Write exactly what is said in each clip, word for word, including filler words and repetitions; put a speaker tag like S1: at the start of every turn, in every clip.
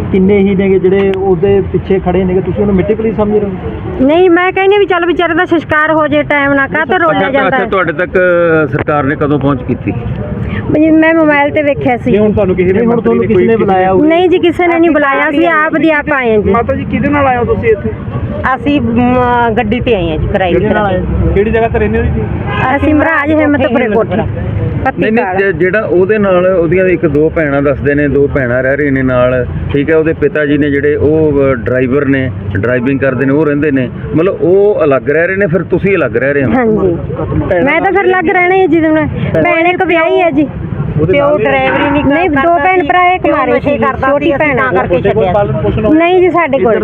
S1: ਕਿੰਨੇ ਹੀ ਨੇਗੇ ਜਿਹੜੇ ਉਹਦੇ ਪਿੱਛੇ ਖੜੇ ਨੇਗੇ, ਤੁਸੀਂ ਉਹਨੂੰ ਮਿੱਟੀ ਪਲੀਸ ਸਮਝ ਰਹੇ ਹੋ?
S2: ਨਹੀਂ, ਮੈਂ ਕਹਿੰਦੀ ਵੀ ਚੱਲ ਵਿਚਾਰੇ ਦਾ ਸੰਸਕਾਰ ਹੋ ਜੇ ਟਾਈਮ ਨਾਲ, ਕਾਹ ਤੋਂ ਰੋਲਿਆ ਜਾਂਦਾ ਹੈ।
S3: ਤੁਹਾਡੇ ਤੱਕ ਸਰਕਾਰ ਨੇ ਕਦੋਂ ਪਹੁੰਚ ਕੀਤੀ?
S2: ਵੀ ਮੈਂ ਮੋਬਾਈਲ ਤੇ ਵੇਖਿਆ ਸੀ।
S1: ਹੁਣ ਤੁਹਾਨੂੰ ਕਿਸੇ ਨੇ ਹੁਣ ਤੁਹਾਨੂੰ ਕਿਸੇ ਨੇ ਬੁਲਾਇਆ?
S2: ਨਹੀਂ ਜੀ, ਕਿਸੇ ਨੇ ਨਹੀਂ ਬੁਲਾਇਆ, ਅਸੀਂ ਆਪ ਦੀ ਆਪ ਆਏ ਹਾਂ ਜੀ।
S1: ਮਾਤਾ ਜੀ ਕਿਹਦੇ ਨਾਲ ਆਏ ਹੋ ਤੁਸੀਂ ਇੱਥੇ?
S2: ਅਸੀਂ ਗੱਡੀ ਤੇ ਆਏ ਹਾਂ ਜੀ, ਕਿਰਾਏ ਤੇ।
S1: ਕਿਹੜੀ ਜਗ੍ਹਾ ਤੇ ਰਹਿੰਦੇ ਹੋ ਜੀ?
S2: ਅਸੀਂ ਮਹਾਰਾਜ ਹਿੰਮਤਪੁਰੇ ਕੋਠੀ
S3: ਨਹੀਂ ਨਹੀਂ, ਜਿਹੜਾ ਉਹਦੇ ਨਾਲ ਉਹਦੀਆਂ ਇੱਕ ਦੋ ਭੈਣਾਂ ਦੱਸਦੇ ਨੇ, ਦੋ ਭੈਣਾਂ ਰਹਿ ਰਹੀਆਂ ਨੇ ਨਾਲ, ਠੀਕ ਹੈ। ਉਹਦੇ ਪਿਤਾ ਜੀ ਨੇ ਜਿਹੜੇ ਉਹ ਡਰਾਈਵਰ ਨੇ, ਡਰਾਈਵਿੰਗ ਕਰਦੇ ਨੇ, ਉਹ ਰਹਿੰਦੇ ਨੇ, ਮਤਲਬ ਉਹ ਅਲੱਗ ਰਹਿ ਰਹੇ ਨੇ, ਫਿਰ ਤੁਸੀਂ ਅਲੱਗ ਰਹਿ ਰਹੇ ਹੋ?
S2: ਹਾਂਜੀ, ਮੈਂ ਤਾਂ ਫਿਰ ਅਲੱਗ ਰਹਿਣਾ ਹੈ ਜੀ। ਭੈਣ ਇੱਕ ਵਿਆਹੀ ਹੈ ਜੀ, ਤੇ ਉਹ ਡਰਾਈਵਰੀ ਨਹੀਂ ਕਰਦਾ। ਨਹੀਂ, ਦੋ ਭੈਣ ਭਰਾ ਇੱਕ ਮਾਰੇ ਸੀ, ਛੋਟੀ ਭੈਣ ਕਰਕੇ ਛੱਡਿਆ। ਨਹੀਂ ਜੀ, ਸਾਡੇ ਕੋਲ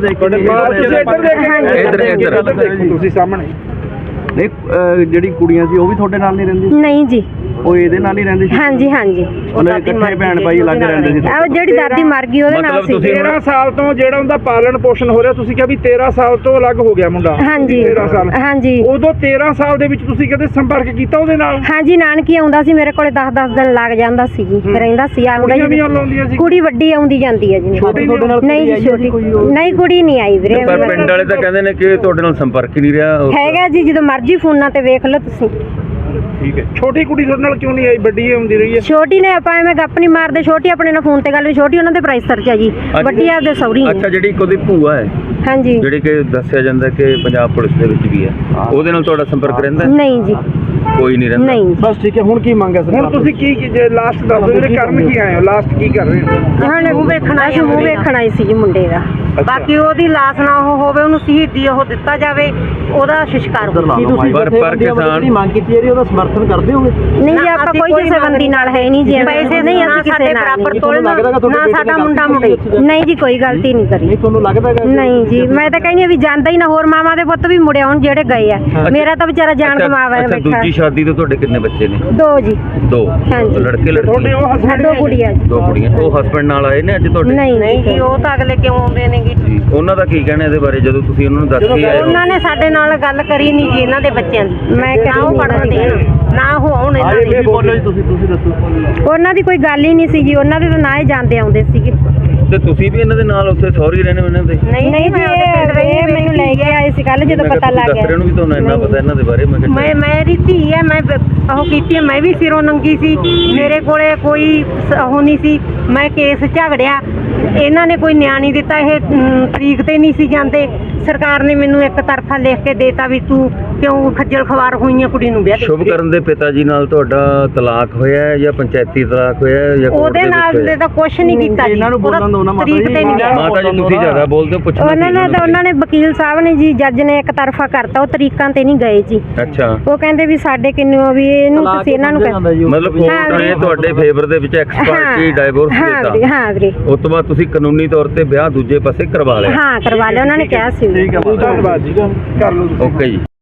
S3: ਇੱਧਰ ਇੱਧਰ
S1: ਤੁਸੀਂ ਸਾਹਮਣੇ। ਨਹੀਂ, ਜਿਹੜੀ ਕੁੜੀਆਂ ਸੀ ਉਹ ਵੀ ਤੁਹਾਡੇ ਨਾਲ ਨਹੀਂ ਰਹਿੰਦੀ?
S2: ਨਹੀਂ ਜੀ,
S1: ਉਹ ਇਹਦੇ ਨਾਲ ਹੀ ਰਹਿੰਦੀ ਸੀ?
S2: ਹਾਂਜੀ ਹਾਂਜੀ,
S1: ਉਹਨਾਂ ਦੇ ਇਕੱਠੇ ਭੈਣ ਭਾਈ ਅਲੱਗ ਰਹਿੰਦੇ ਸੀ?
S2: ਉਹ ਜਿਹੜੀ ਦਾਦੀ ਮਰ ਗਈ ਉਹਦੇ ਨਾਲ ਸੀ।
S1: ਤੇਰਾਂ ਸਾਲ ਤੋਂ ਜਿਹੜਾ ਉਹਦਾ ਪਾਲਣ ਪੋਸ਼ਣ ਹੋ ਰਿਹਾ, ਤੁਸੀਂ ਕਿਹਾ ਵੀ ਤੇਰਾਂ ਸਾਲ ਤੋਂ ਅਲੱਗ ਹੋ ਗਿਆ ਮੁੰਡਾ?
S2: ਹਾਂਜੀ
S1: ਤੇਰਾਂ ਸਾਲ।
S2: ਹਾਂਜੀ,
S1: ਉਦੋਂ ਤੇਰਾਂ ਸਾਲ ਦੇ ਵਿੱਚ ਤੁਸੀਂ ਕਦੇ ਸੰਪਰਕ ਕੀਤਾ ਉਹਦੇ ਨਾਲ?
S2: ਹਾਂਜੀ, ਨਾਨਕੀ ਆਉਂਦਾ ਸੀ ਮੇਰੇ ਕੋਲੇ, ਦਸ ਦਸ ਦਿਨ ਲੱਗ ਜਾਂਦਾ ਸੀ ਜੀ, ਰਹਿੰਦਾ ਸੀ। ਆਉਂਦਾ ਜੀ, ਕੁੜੀ ਵੱਡੀ ਆਉਂਦੀ ਜਾਂਦੀ ਹੈ ਜੀ। ਨਹੀਂ ਜੀ, ਛੋਟੀ ਨਹੀਂ, ਕੁੜੀ ਨਹੀਂ ਆਈ ਵੀਰੇ।
S3: ਪਰ ਪਿੰਡ ਵਾਲੇ ਤਾਂ ਕਹਿੰਦੇ ਨੇ ਕਿ ਤੁਹਾਡੇ ਨਾਲ ਸੰਪਰਕ ਹੀ ਨਹੀਂ ਰਿਹਾ।
S2: ਹੈਗਾ ਜੀ, ਜਦੋਂ ਮਰਜ਼ੀ ਫੋਨਾਂ ਤੇ ਵੇਖ ਲਓ ਤੁਸੀਂ।
S1: ਠੀਕ ਹੈ। ਛੋਟੀ ਕੁੜੀ ਤੁਹਾਡੇ ਨਾਲ ਕਿਉਂ ਨਹੀਂ ਆਈ? ਵੱਡੀ ਆਉਂਦੀ ਰਹੀ ਹੈ।
S2: ਛੋਟੀ ਨੇ ਆਪਾਂ ਐਵੇਂ ਗੱਪ ਨਹੀਂ ਮਾਰਦੇ, ਛੋਟੀ ਆਪਣੇ ਨਾਲ ਫੋਨ ਤੇ ਗੱਲ ਵੀ, ਛੋਟੀ ਉਹਨਾਂ ਦੇ ਪ੍ਰਾਈਸ ਸਰਚ ਹੈ ਜੀ, ਵੱਡੀ ਆਪਦੇ ਸੌਰੀ।
S3: ਅੱਛਾ, ਜਿਹੜੀ ਉਹਦੀ ਭੂਆ ਹੈ,
S2: ਹਾਂਜੀ,
S3: ਜਿਹੜੀ ਕਿ ਦੱਸਿਆ ਜਾਂਦਾ ਕਿ ਪੰਜਾਬ ਪੁਲਿਸ ਦੇ ਵਿੱਚ ਵੀ ਹੈ, ਉਹਦੇ ਨਾਲ ਤੁਹਾਡਾ ਸੰਪਰਕ ਰਹਿੰਦਾ?
S2: ਨਹੀਂ ਜੀ,
S3: ਕੋਈ ਨਹੀਂ ਰਹਿੰਦਾ।
S2: ਨਹੀਂ।
S1: ਬਸ ਠੀਕ ਹੈ। ਹੁਣ ਕੀ ਮੰਗ ਹੈ ਸਰ? ਹੁਣ ਤੁਸੀਂ ਕੀ ਜੇ ਲਾਸਟ ਦੱਸ ਦਿਓ, ਜਿਹੜੇ ਕਰਨ ਕੀ ਆਏ ਹੋ, ਲਾਸਟ ਕੀ ਕਰ ਰਹੇ ਹੋ?
S2: ਹੁਣ ਮੂੰਹ ਵੇਖਣਾ ਸੀ, ਮੂੰਹ ਵੇਖਣਾ ਹੀ ਸੀ ਜੀ ਮੁੰਡੇ ਦਾ। ਬਾਕੀ ਉਹਦੀ ਲਾਸ਼ ਨਾ ਉਹ ਹੋਵੇ, ਉਹਨੂੰ ਸ਼ਹੀਦੀ ਉਹ ਦਿੱਤਾ ਜਾਵੇ, ਉਹਦਾ ਸੰਸਕਾਰ ਹੋਵੇ।
S3: ਪਰ ਪਰ ਕਿਸਾਨ
S1: ਦੀ ਮੰਗ ਕੀਤੀ ਹੈ, ਉਹਦਾ ਸਮਰਥਨ ਕਰਦੇ ਹੋਗੇ?
S2: ਨਹੀਂ ਜੀ, ਆਪਾਂ ਕੋਈ ਕਿਸੇ ਬੰਦੀ ਨਾਲ ਹੈ ਨਹੀਂ ਜੀ। ਪੈਸੇ ਨਹੀਂ, ਅਸੀਂ ਕਿਸੇ ਬਰਾਬਰ ਤੋਲਣਾ ਨਾ, ਸਾਡਾ ਮੁੰਡਾ ਮੁੰਡੇ। ਨਹੀਂ ਜੀ, ਕੋਈ ਗਲਤੀ ਨਹੀਂ ਕਰੀ।
S1: ਨਹੀਂ, ਤੁਹਾਨੂੰ ਲੱਗਦਾ ਹੈ?
S2: ਨਹੀਂ ਜੀ, ਮੈਂ ਤਾਂ ਕਹਿੰਦੀ ਆ ਵੀ ਜਾਂਦਾ ਹੀ ਨਾ, ਹੋਰ ਮਾਵਾਂ ਦੇ ਪੁੱਤ ਵੀ ਮੁੜੇ ਆਉਣ ਜਿਹੜੇ ਗਏ ਆ। ਮੇਰਾ ਤਾਂ ਵਿਚਾਰਾ ਜਾਨ ਕਮਾਵਾ ਬੈਠਾ।
S3: ਦੂਜੀ ਸ਼ਾਦੀ ਤੋਂ ਤੁਹਾਡੇ ਕਿੰਨੇ ਬੱਚੇ ਨੇ?
S2: ਦੋ ਜੀ।
S3: ਦੋ?
S2: ਹਾਂਜੀ।
S3: ਲੜਕੇ ਲੜਕੀ?
S2: ਦੋ ਕੁੜੀਆਂ ਜੀ।
S3: ਦੋ ਕੁੜੀਆਂ। ਉਹ ਹਸਬੰਡ ਨਾਲ ਆਏ ਨੇ ਅੱਜ ਤੁਹਾਡੇ?
S2: ਨਹੀਂ ਨਹੀਂ ਜੀ, ਉਹ ਤਾਂ ਅਗਲੇ ਕਿਉਂ ਆਉਂਦੇ ਨੇਗੇ
S3: ਜੀ। ਉਹਨਾਂ ਦਾ ਕੀ ਕਹਿਣਾ ਇਹਦੇ ਬਾਰੇ ਜਦੋਂ ਤੁਸੀਂ ਉਹਨਾਂ ਨੂੰ ਦੱਸ ਕੇ ਆਏ ਹੋ?
S2: ਉਹਨਾਂ ਨੇ ਸਾਡੇ ਨਾਲ ਗੱਲ ਕਰੀ ਨਹੀਂ ਜੀ, ਇਹਨਾਂ ਦੇ ਬੱਚਿਆਂ ਦੀ। ਮੈਂ ਕਿਹਾ ਉਹ ਪੜਨ ਦੇਣ ਨਾ, ਉਹ ਆਉਣ ਇਹਨਾਂ ਦੇ।
S1: ਤੁਸੀਂ ਤੁਸੀਂ ਦੱਸੋ।
S2: ਉਹਨਾਂ ਦੀ ਕੋਈ ਗੱਲ ਹੀ ਨਹੀਂ ਸੀ ਜੀ, ਉਹਨਾਂ ਦੇ ਤਾਂ ਨਾ ਹੀ ਜਾਂਦੇ ਆਉਂਦੇ ਸੀਗੇ।
S3: ਤੇ ਤੁਸੀਂ ਵੀ ਇਹਨਾਂ ਦੇ ਨਾਲ ਉੱਥੇ ਸੌਰੀ ਰਹਿਣੇ ਉਹਨਾਂ ਦੇ?
S2: ਨਹੀਂ ਨਹੀਂ ਜੀ, ਇਹ ਮੈਨੂੰ ਲੈ ਕੇ ਆਏ ਸੀ ਕੱਲ ਜਦੋਂ ਪਤਾ ਲੱਗ ਗਿਆ।
S3: ਦੱਸ ਨੂੰ ਵੀ ਤੁਹਾਨੂੰ ਇੰਨਾ ਪਤਾ ਇਹਨਾਂ ਦੇ ਬਾਰੇ? ਮੈਂ
S2: ਮੈਂ ਮੇਰੀ ਧੀ ਹੈ, ਮੈਂ ਉਹ ਕੀਤੀ, ਮੈਂ ਵੀ ਸਿਰੋਂ ਨੰਗੀ ਸੀ, ਮੇਰੇ ਕੋਲੇ ਕੋਈ ਉਹ ਨਹੀਂ ਸੀ। ਮੈਂ ਕੇਸ ਝਗੜਿਆ, ਇਹਨਾਂ ਨੇ ਕੋਈ ਨਿਆਂ ਨਹੀਂ ਦਿੱਤਾ। ਇਹ ਤਰੀਕ ਤੇ ਨਹੀਂ ਸੀ ਜਾਂਦੇ। ਸਰਕਾਰ ਨੇ ਮੈਨੂੰ ਇੱਕ ਤਰਫਾ ਲਿਖ ਕੇ ਦੇਤਾ ਵੀ ਤੂੰ ਕਿਉਂ ਖੱਜਲ ਖਵਾਰ ਹੋਈਆਂ ਕੁੜੀ ਨੂੰ ਵਿਆਹ ਦੇ।
S3: ਸ਼ੁਭ ਕਰਨ ਦੇ ਪਿਤਾ ਜੀ ਨਾਲ ਤੁਹਾਡਾ ਤਲਾਕ ਹੋਇਆ ਹੈ ਜਾਂ ਪੰਚਾਇਤੀ ਤਲਾਕ ਹੋਇਆ ਹੈ ਜਾਂ
S2: ਉਹਦੇ ਨਾਲ ਤਾਂ ਕੁਝ ਨਹੀਂ ਕੀਤਾ ਜੀ।
S1: ਇਹਨਾਂ ਨੂੰ ਬੋਲਣ ਦਿਓ ਨਾ ਮਾਤਾ
S2: ਤਰੀਕ ਤੇ ਨਹੀਂ ਗਿਆ।
S3: ਮਾਤਾ ਜੀ ਤੁਸੀਂ ਜ਼ਿਆਦਾ ਬੋਲਦੇ ਹੋ, ਪੁੱਛਣਾ
S2: ਉਹਨਾਂ ਨੇ ਤਾਂ ਉਹਨਾਂ ਨੇ ਵਕੀਲ ਸਾਹਿਬ ਨੇ ਜੀ, ਜੱਜ ਨੇ ਇੱਕ ਤਰਫਾ ਕਰਤਾ, ਉਹ ਤਰੀਕਾਂ ਤੇ ਨਹੀਂ ਗਏ ਜੀ।
S3: ਅੱਛਾ,
S2: ਉਹ ਕਹਿੰਦੇ ਵੀ ਸਾਡੇ ਕਿੰਨੂ ਵੀ ਇਹਨੂੰ ਤੁਸੀਂ ਇਹਨਾਂ ਨੂੰ
S3: ਮਤਲਬ ਕੋਰਟ ਨੇ ਤੁਹਾਡੇ ਫੇਵਰ ਦੇ ਵਿੱਚ ਐਕਸਪਰਟੀ ਡਾਈਵੋਰਸ ਦਿੱਤਾ?
S2: ਹਾਂ ਵੀਰੇ।
S3: ਉਸ ਤੋਂ ਬਾਅਦ ਤੁਸੀਂ ਕਾਨੂੰਨੀ ਤੌਰ ਤੇ ਵਿਆਹ ਦੂਜੇ ਪਾਸੇ ਕਰਵਾ ਲਿਆ?
S2: ਹਾਂ, ਕਰਵਾ ਲਿਆ, ਉਹਨਾਂ ਨੇ ਕਿਹਾ ਸੀ।
S1: ਠੀਕ ਹੈ, ਧੰਨਵਾਦ ਜੀ, ਕਰ ਲਓ।
S3: ਓਕੇ ਜੀ।